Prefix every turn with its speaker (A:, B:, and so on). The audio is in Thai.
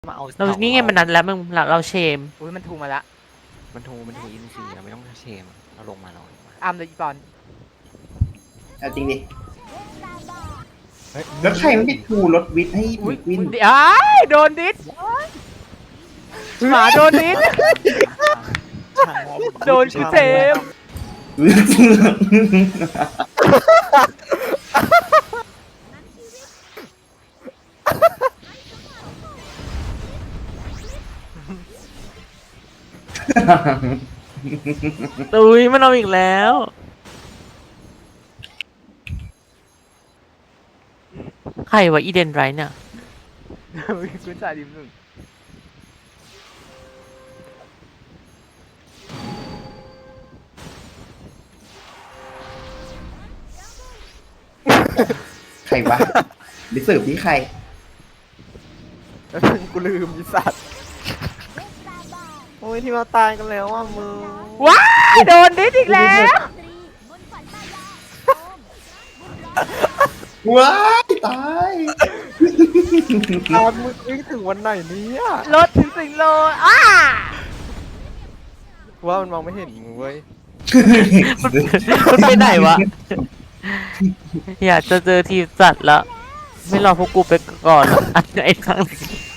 A: มาเอา
B: เรานี่ไงมันนัดแล้วมึงเราเชม
A: อุ้ยมันถูกมาละ
C: มันทูอินซีเราไม่ต้องเชมเราลงมา
A: อ้ามเลยอีปอน
D: เอาจริงดิ
C: เฮ้ย
D: แล้วใครไม่ไปทูรถวิทย์ให้เพ
A: อุ้ย
D: นกวิน
A: เดี๋ยวโดนดิสหมาโดนดิสโดนกูเจม
B: อุ้ยมันเอาอีกแล้วใครวะอีเดนไรเนี่ย
A: คุณจ่ายดิมหนึ่ง
D: ใครวะดิสืบที่ใคร
A: กูลืมอีสัตว์
C: โอ้ยที่มาตายกันแล้วอ่ะมึง
A: ว้ายโดนดิสอีกแล้ว
D: ว้ายตาย
C: ตอนมึงวิ่งถึงวันไหนเนี่ย
A: รถถึงสิงโลอ้า
C: ว่ามันมองไม่เห็นมึงเว้ย
B: มันไปไหนวะ อยากจะเจอทีมจัดแล้ว ไม่รอพวกกูไปก่อนหรอกอันไหนครั้ง